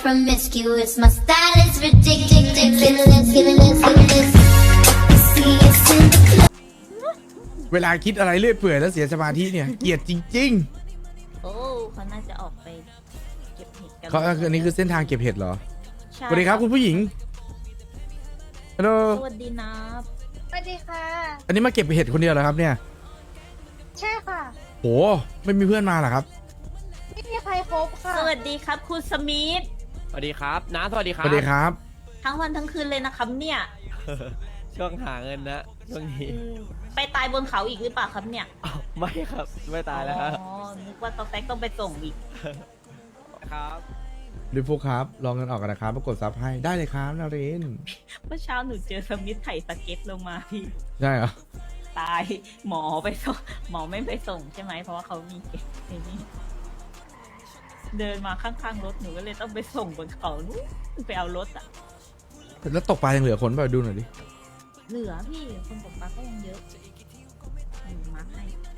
promiscuous. My style is ridiculous. Fearless. See us in the club. เวลาคิดอะไรเรื่อยเปื่อยแล้วเสียสมาธิเนี่ยเกลียดจริงโอ้เขาน่าจะออกไปเก็บเห็ดกันๆเขาอันนี้คือเส้นทางเก็บเห็ดเหรอใช่สวัสดีครับคุณผู้หญิงฮัลโหลสวัสดีนะสวัสดีค่ะอันนี้มาเก็บเห็ดคนเดียวเหรอครับเนี่ยใช่ค่ะโหไม่มีเพื่อนมาเหรอครับไม่มีใครครบค่ะสวัสดีครับคุณสมิธสวัสดีครับน้าสวัสดีคสรับวัสดีครับทั้งวันทั้งคืนเลยนะครับเนี่ยช่วงหาเงินนะช่วงนี้ไปตายบนเขาอีกหรือเปล่าครับเนี่ยอ้าวไม่ครับไม่ตายแล้วครับอ๋อนึกว่าตอแฟกต้องไปส่งอีกครับดิฟูครับลองเงินออกกันนะครับมากดซับให้ได้เลยครับนารินเมื่อเช้าหนูเจอสมิธไถ่สเก็ตลงมาพี่ได้เหรอตายหมอไปส่งหมอไม่ไปส่งใช่ไหมเพราะว่าเขามีเก็บไอ้นี่เดินมาข้างๆรถหนูก็เลยต้องไปส่งบนเขานู้นไปเอารถอะแล้วตกปลายังเหลือคนเปล่าดูหน่อยดิเหลือพี่คนตกปลาก็ยังเยอะหนูมาให้